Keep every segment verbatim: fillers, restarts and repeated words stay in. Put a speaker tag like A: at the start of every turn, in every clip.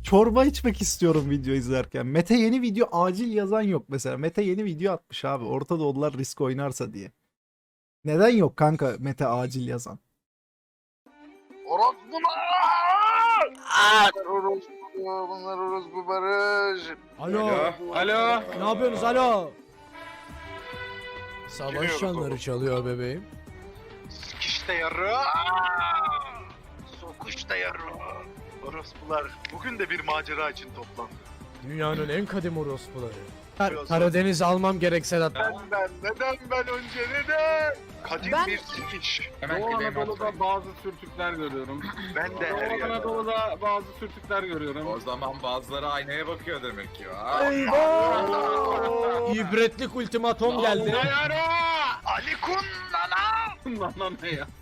A: Çorba içmek istiyorum video izlerken. Mete yeni video acil yazan yok mesela. Mete yeni video atmış abi. Orta Doğulular risk oynarsa diye. Neden yok kanka Mete acil yazan?
B: Orospular! Bunlar orospu, bunlar orospu Barış.
C: Alo.
D: Alo.
C: Ne yapıyorsunuz alo?
B: Geliyoruz
C: Savaş çanları
B: oğlum.
C: çalıyor bebeğim.
B: Sikiş de yarı. Sokuş da yarı. Orospular bugün de bir macera için toplandı.
C: Dünyanın en kadim orospuları.
B: Biliyorsun.
C: Karadeniz almam gerek Sedat.
B: Neden ben, neden ben önce neden? Kadim
C: Ben-
B: bir sikiş.
D: Hemen
E: Doğu
D: gideyim
E: Anadolu'da
D: atlayın.
E: bazı sürtükler görüyorum.
B: Ben de her
E: Doğu
B: yerde.
E: Anadolu'da bazı sürtükler görüyorum.
D: O zaman bazıları aynaya bakıyor demek ki.
C: Eyvah! İbretlik ultimatom geldi.
B: Ali Kun nana.
E: Lan lan ne ya?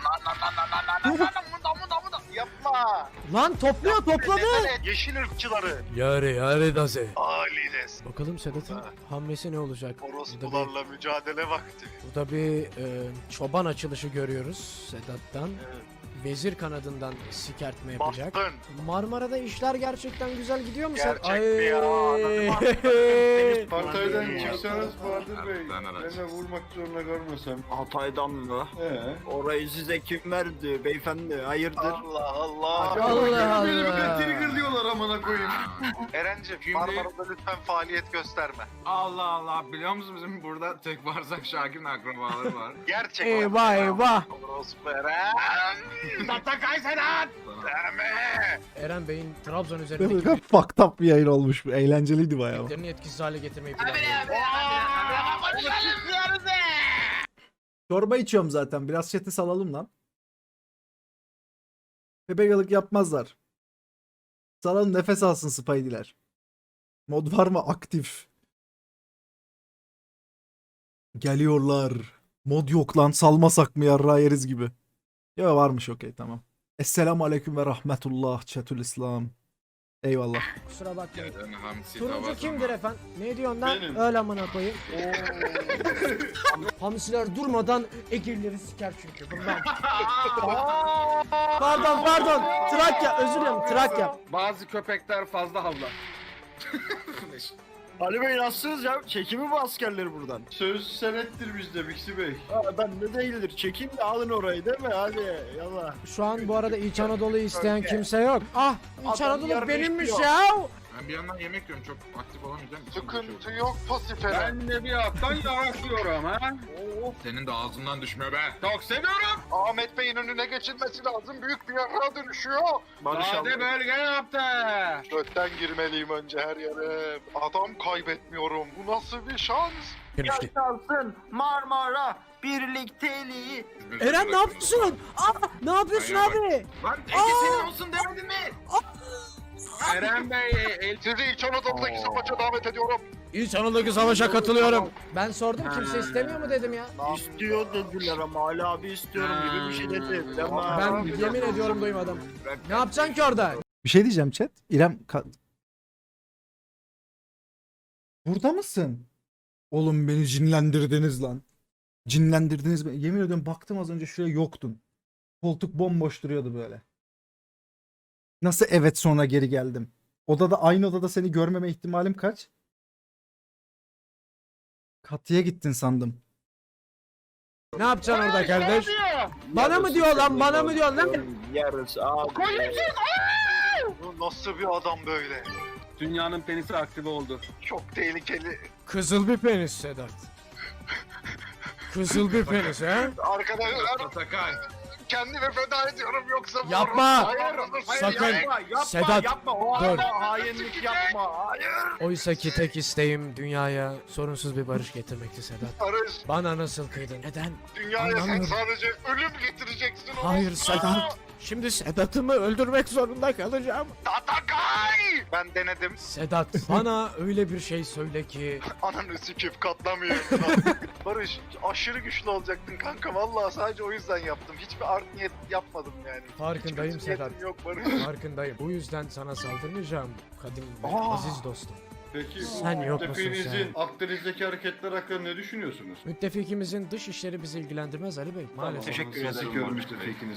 B: Yapma.
C: Lan topluyor topladı.
B: Neden yeşil ırkçıları?
C: Yare yare daze.
B: Alides.
C: Bakalım Sedat'ın
B: Ha.
C: hamlesi ne olacak? Burada bir,
B: Orospularla mücadele vakti.
C: burada bir e, çoban açılışı görüyoruz Sedat'tan.
B: Evet.
C: Vezir kanadından sikertme yapacak.
B: Bastın.
C: Marmara'da işler gerçekten güzel gidiyor mu sen?
B: Gerçek mi ya?
F: Hatay'dan çıksanız Bahadır Bey,
D: Erdoğan araç.
F: beni vurmak zorunda görmesem.
G: Hatay'dan mı?
F: He.
G: Orayı size kim verdi beyefendi? Hayırdır?
B: Allah Allah.
C: Allah
F: Beni bir de
C: Allah.
F: triggerlıyorlar amına koyayım.
B: Erencim
D: Şimdi-
B: Marmara'da lütfen faaliyet gösterme.
D: Allah Allah, biliyor musun bizim burada tek bağırsak Şakir'in akrabaları var.
B: Gerçek.
C: Eyvah eyvah.
B: Orospu Eren.
D: Tatakay Sedat!
B: Deme.
C: Eren Bey'in Trabzon üzerindeki
A: Fucked up bir yayın olmuş bu. Eğlenceliydi bayağı.
C: birliklerini etkisiz hale getirmeyi planlıyor.
A: Çorba içiyorum zaten. Biraz chat'i salalım lan. Bebegalık yapmazlar. Salalım nefes alsın Spidey'ler. Mod var mı? Aktif. Geliyorlar. Mod yok lan. Salmasak mı yarrağı yeriz gibi. Ya varmış okey tamam. Esselamu aleyküm ve rahmetullah chatül İslam. Eyvallah.
C: Kusura bakmayın.
D: Yarın hamsi
C: Turuncu
D: tavası
C: kimdir
D: var.
C: efendim? Ne diyorsun lan?
F: Benim.
C: Öyle amına koyayım. Hamsiler durmadan egirleri siker çünkü bundan. Pardon pardon. Trakya özür dilerim Trakya.
E: Bazı köpekler fazla havlar.
G: Ali Bey nasılsınız ya? Çekimi bu askerleri buradan.
F: Söz senettir bizde Bixi Bey.
G: Aa, ben de değildir. Çekin de alın orayı değil mi? Hadi yallah.
C: Şu an bu arada İç Anadolu'yu isteyen kimse yok. Ah İç
G: Adam
C: Anadolu
G: yarın
C: benimmiş
G: istiyor.
C: ya.
D: Ben bir yandan yemek yiyorum, çok aktif olamayacağım.
B: Sıkıntı yok pasif Eren.
E: Ben de bir alttan yavaşlıyorum ha.
D: Senin de ağzından düşmüyor be. Çok seviyorum.
B: Ahmet Bey'in önüne geçilmesi lazım. Büyük bir yarrağa dönüşüyor.
G: Barış
E: Sade
G: abi.
E: bölge yaptı.
B: Götten girmeliyim önce her yere. Adam kaybetmiyorum. Bu nasıl bir şans?
G: Yaşarsın Marmara birlikteliği.
C: Eren ne yapıyorsun? Ah ne yapıyorsun
D: Ayağa
C: abi?
D: Lan Ege senin olsun demedin mi?
E: Eren Bey el
B: Sizi İç Anadolu'daki savaşa davet ediyorum.
C: İç Anadolu'daki savaşa katılıyorum. Ben sordum kimse istemiyor mu dedim ya.
G: İstiyor dediler ama Ali abi istiyorum gibi bir şey dedi. Tamam.
C: Ben yemin ediyorum duymadım. Ne yapacaksın ki orada?
A: Bir şey diyeceğim chat. İrem ka- burada mısın? Oğlum beni cinlendirdiniz lan. Cinlendirdiniz beni. Yemin ediyorum baktım az önce şuraya yoktun. Koltuk bomboş duruyordu böyle. Nasıl evet sonra geri geldim? Odada aynı odada seni görmeme ihtimalim kaç? Katıya gittin sandım.
C: Ne yapacaksın orada kardeş? Bana mı diyor lan bana mı diyor lan?
G: Yarısı abi.
B: Bu nasıl bir adam böyle?
E: Dünyanın penisi aktive oldu.
B: Çok tehlikeli.
C: Kızıl bir penis Sedat. Kızıl bir penis ha?
B: Arkadaşlar
D: Tatakay.
B: kendimi feda ediyorum yoksa...
C: Yapma!
B: Hayır, hayır,
C: Sakın!
B: hayır.
G: Yapma yapma
C: Sedat,
G: yapma. O
C: dur.
G: anda hainlik yapma. Hayır.
C: Oysa ki tek isteğim dünyaya sorunsuz bir barış getirmekti Sedat.
B: Barış,
C: Bana nasıl kıydın? Neden?
B: dünyaya sen
C: Anlamıyorum.
B: sadece ölüm getireceksin.
C: Hayır
B: orospu.
C: Sedat. Şimdi Sedat'ımı öldürmek zorunda kalacağım.
B: Tatakay! Ben denedim.
C: Sedat bana öyle bir şey söyle ki
B: Ananı sikip katlamıyorum. Barış, aşırı güçlü olacaktın kanka. Vallahi sadece o yüzden yaptım. Hiçbir art niyet yapmadım yani.
C: farkındayım
B: Hiçbir niyetim
C: Sedat.
B: yok Barış.
C: Farkındayım. Bu yüzden sana saldırmayacağım kadim ve
B: Aa.
C: aziz dostum.
F: Peki
C: Sen yok musun
F: müttefiğinizin Akdeniz'deki hareketler hakkında ne düşünüyorsunuz?
C: Müttefikimizin dış işleri bizi ilgilendirmez Ali Bey maalesef.
G: Teşekkür
F: Son
G: ederim.
F: sikiyorum müttefikinizi.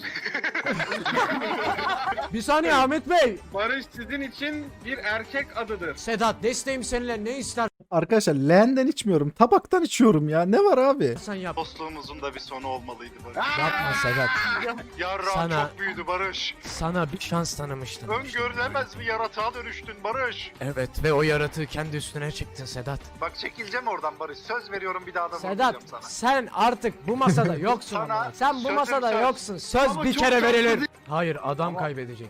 C: Bir saniye Ahmet Bey.
E: Barış sizin için bir erkek adıdır.
C: Sedat desteğim seninle ne istersen
A: Arkadaşlar leğenden içmiyorum. Tabaktan içiyorum ya. Ne var abi?
C: yap.
B: Dostluğumuzun da bir sonu olmalıydı Barış.
C: Yapma Sedat.
B: Yarra
C: Sana-
B: çok büyüdü Barış.
C: Sana bir şans tanımıştım.
B: Öngörülemez bir yaratığa dönüştün Barış.
C: Evet ve o yaratığı kendi üstüne çektin Sedat.
B: Bak çekileceğim oradan Barış. Söz veriyorum bir daha da
C: Sedat
B: vurmayacağım sana.
C: sen artık bu masada yoksun.
B: Sana
C: ama. Sen bu
B: sözüm
C: masada
B: söz.
C: yoksun. Söz
B: Ama
C: bir
B: çok
C: kere
B: tatlı
C: verilir. Hayır adam kaybedecek.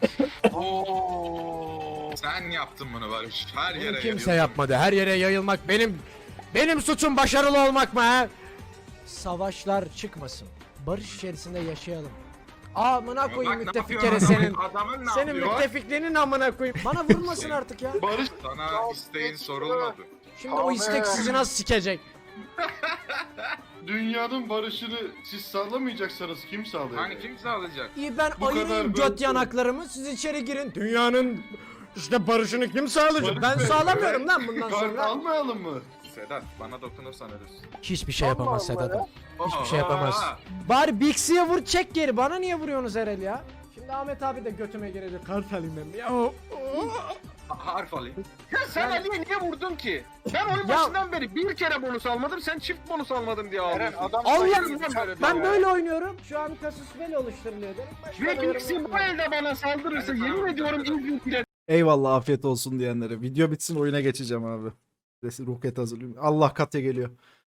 B: Oo.
D: Sen yaptın bunu Barış. Her
C: Bunu
D: yere
C: kimse
D: yayıyorsun.
C: yapmadı. Her yere yayılmak benim benim suçum başarılı olmak mı ha? Savaşlar çıkmasın. Barış içerisinde yaşayalım. Amına
D: Bak
C: koyayım
D: ne
C: müttefik
D: yapıyor
C: kere
D: adamın-
C: senin.
D: Adamın ne
C: Senin
D: yapıyor?
C: müttefikliğinin amına koyayım. Bana vurmasın artık ya.
F: Barış
D: Sana isteğin sorulmadı.
C: Şimdi o istek sizi nasıl sikecek?
F: dünyanın barışını siz sağlamayacaksanız kim sağlayacak?
D: Hani kim sağlayacak?
C: İyi ben
F: Bu
C: ayırayım
F: kadar
C: göt
F: böyle-
C: yanaklarımı siz içeri girin. Dünyanın işte barışını kim sağlayacak?
F: Barış
C: Ben
F: Bey,
C: sağlamıyorum lan bundan
F: Kart
C: sonra.
F: almayalım mı?
D: Sedat bana dokunursan ölürsün.
C: Hiçbir şey yapamaz Sedat. Hiçbir şey
D: Aa,
C: yapamaz. Bari Bixi'ye vur çek geri. Bana niye vuruyorsunuz Erel ya? Şimdi Ahmet abi de götüme girecek. Kart alayım ben. Ya, o- o-
D: ha- Harf alayım.
E: Ya sen Ali'ye niye vurdun ki? Ben oyun
C: Ya-
E: başından beri bir kere bonus almadım, sen çift bonus almadın diye
B: Eren
E: ağlıyorsun.
B: adam
C: Allah
B: sayılır böyle
C: ben
B: ya.
C: böyle oynuyorum. Şu an kasus bel oluşturuluyor derim. Başka da
E: Ve
C: yorum
E: Bixi bu
C: yapmıyorum.
E: elde bana saldırırsa
D: Ben de
E: yemin
D: sana
E: ediyorum
D: vuracağım.
E: ilk bile
A: Eyvallah afiyet olsun diyenlere. Video bitsin oyuna geçeceğim abi. Resim roket hazırlıyorum. Allah Katya geliyor.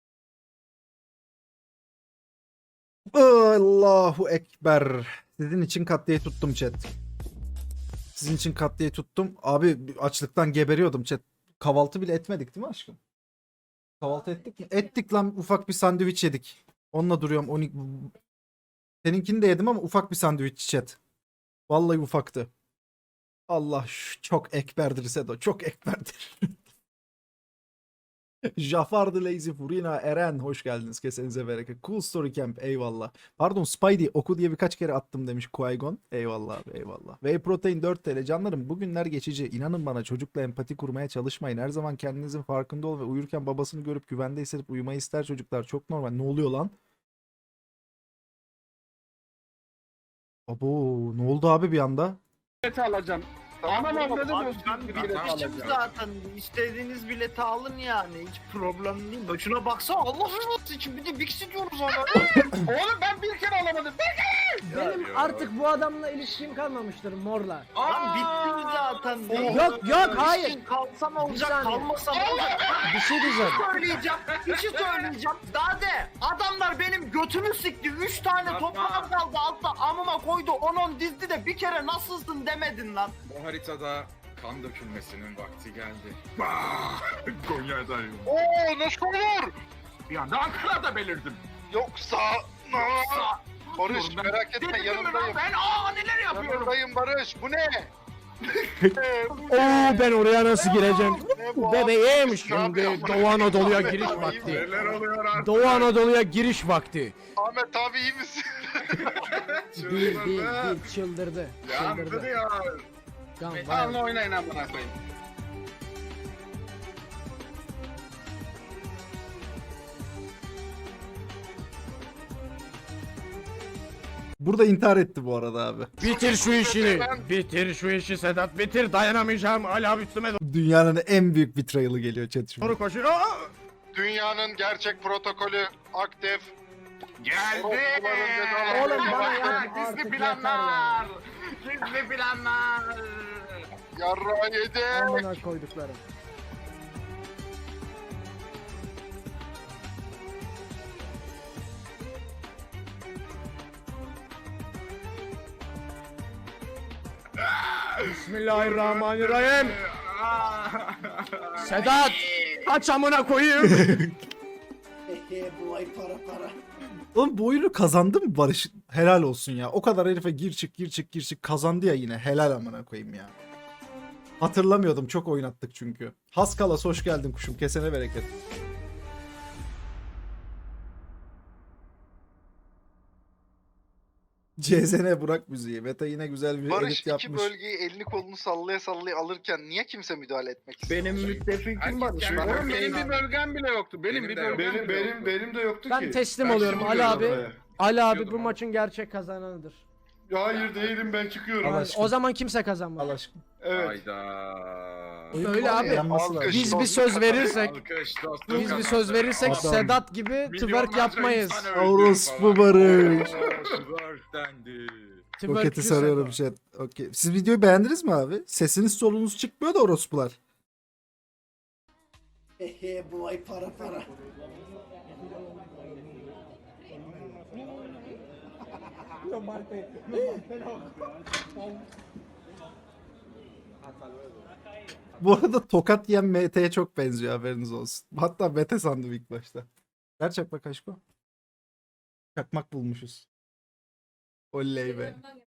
A: Allahu Ekber. Sizin için Katya'yı tuttum chat. Sizin için Katya'yı tuttum. Abi açlıktan geberiyordum chat. Kahvaltı bile etmedik değil mi aşkım? Kahvaltı ettik mi? Ettik lan, ufak bir sandviç yedik. Onunla duruyorum. on iki... Seninkini de yedim ama ufak bir sandviç chat. Vallahi ufaktı. Allah şu çok ekberdir Sedo. Çok ekberdir. Jafar the Lazy Furina Eren hoş geldiniz. Kesenize bereket. Cool Story Camp eyvallah. Pardon Spidey oku diye birkaç kere attım demiş Qui-Gon. Eyvallah abi eyvallah. Whey Protein dört TL. Canlarım bugünler geçici. İnanın bana çocukla empati kurmaya çalışmayın. Her zaman kendinizin farkında ol ve uyurken babasını görüp güvende hissedip uyumayı ister çocuklar. Çok normal. Ne oluyor lan? Abo ne oldu abi bir anda?
E: bileti alacağım. Anam avradım
G: Abi
E: olsun.
G: ben
E: bileti
G: bilmişim
E: alacağım.
G: zaten. İstediğiniz bileti alın yani. Hiç problem değil. Bak şuna baksana Allah razı için bir de Bixi diyoruz ona.
E: Oğlum ben bir kere alamadım.
C: Benim artık bu adamla ilişkim kalmamıştır morla.
G: Lan bitti zaten.
C: Yok, yok, hayır.
G: İşin kalsa ne
C: Bir
G: olacak,
C: saniye.
G: kalmasa ne olacak?
C: Bir şey diyeceğim.
G: söyleyeceğim. Bir şey söyleyeceğim. Daha de adamlar benim götümü sikti. Üç tane
E: Yapma.
G: toprağım kaldı altta amıma koydu. On on dizdi de bir kere nasılsın demedin lan.
D: Bu haritada kan dökülmesinin vakti geldi. Bah! Konya'dayım.
B: Oo nasıl olur?
E: Bir anda Ankara'da belirdim.
B: Yoksa...
E: Yoksa...
B: Barış
E: Dur, ben-
B: merak etme
E: Dedim mi lan
B: yanındayım.
E: ben aa neler yapıyorum.
B: Yanındayım Barış. Bu ne? Ee, bu
C: Oo
B: ne?
C: ben oraya nasıl gireceğim?
B: Ne bu?
C: Bebeğim
B: Ne
C: şimdi
B: yapıyorsun?
C: Doğu Anadolu'ya
B: Ahmet
C: giriş
B: abi,
C: vakti.
D: Neler oluyor artık?
C: Doğu Anadolu'ya giriş vakti.
B: Ahmet abi iyi misin?
C: Değil değil değil çıldırdı.
D: Yandı
C: Çıldırdı.
D: ya.
C: Can
E: Alın
C: var.
E: oynayın amına koyayım.
A: Burada intihar etti bu arada abi.
C: Bitir şu işini. Bitir şu işi Sedat. Bitir dayanamayacağım. Hala üstüme
A: Dünyanın en büyük betrayal'ı geliyor chat şimdi.
C: doğru koşuyor. Aa!
B: Dünyanın gerçek protokolü aktif.
E: Geldi.
C: Oğlum bana ya,
E: Gizli
C: artık
E: planlar. Gizli planlar.
B: Yarra yedi.
C: Amına koyduklarım. Bismillahirrahmanirrahim. Sedat kaç amına koyayım.
A: Oğlum bu oyunu kazandı mı Barış? Helal olsun ya. O kadar herife gir çık gir çık gir çık kazandı ya yine. Helal amına koyayım ya. Hatırlamıyordum. Çok oynattık çünkü. Haskalas hoş geldin kuşum. Kesene bereket. C Z N Burak müziği. Meta yine güzel bir
B: Barış
A: edit
B: iki
A: yapmış.
B: bölgeyi elini kolunu sallaya sallaya alırken niye kimse müdahale etmek istemiyor?
G: Benim müttefikim
D: Herkes
G: Barış.
D: kendi
G: Oğlum
D: bölgesine-
F: Benim bir bölgem bile yoktu. Benim,
D: Benim
F: bir
D: de
F: bölgem
D: yok.
F: benim, benim, benim de yoktu
C: Ben
F: ki.
C: teslim
F: Ben
C: oluyorum
F: şimdi
C: Ali
F: geliyorum
C: abi.
F: buraya.
C: Ali abi bu
D: Biliyordum
C: maçın gerçek kazananıdır.
F: Hayır değilim, ben çıkıyorum.
A: Allah
C: Yani
A: aşkına.
C: o zaman kimse kazanmaz.
A: Allah aşkına.
F: Evet.
D: Hayda.
C: Öyle abi.
A: Yanması lazım.
C: Biz bir söz verirsek,
D: Alkış dostum
C: biz bir
D: kazandı.
C: söz verirsek
A: Adam.
C: Sedat gibi twerk
D: Milyonlarca
C: yapmayız.
D: insan öldü
A: Orospu
D: falan.
A: Barış.
D: Oo, Twerk dendi.
A: Roketi
C: Twerkçü
A: sarıyorum
C: Sedat.
A: chat. Okey. Siz videoyu beğendiniz mi abi? Sesiniz solunuz çıkmıyor da orospular.
H: Ehe bu ay para para.
A: Bu arada tokat yiyen M T'ye çok benziyor, haberiniz olsun. Hatta Mete sandım ilk başta. Ver çakmak aşko. Çakmak bulmuşuz. Oley be.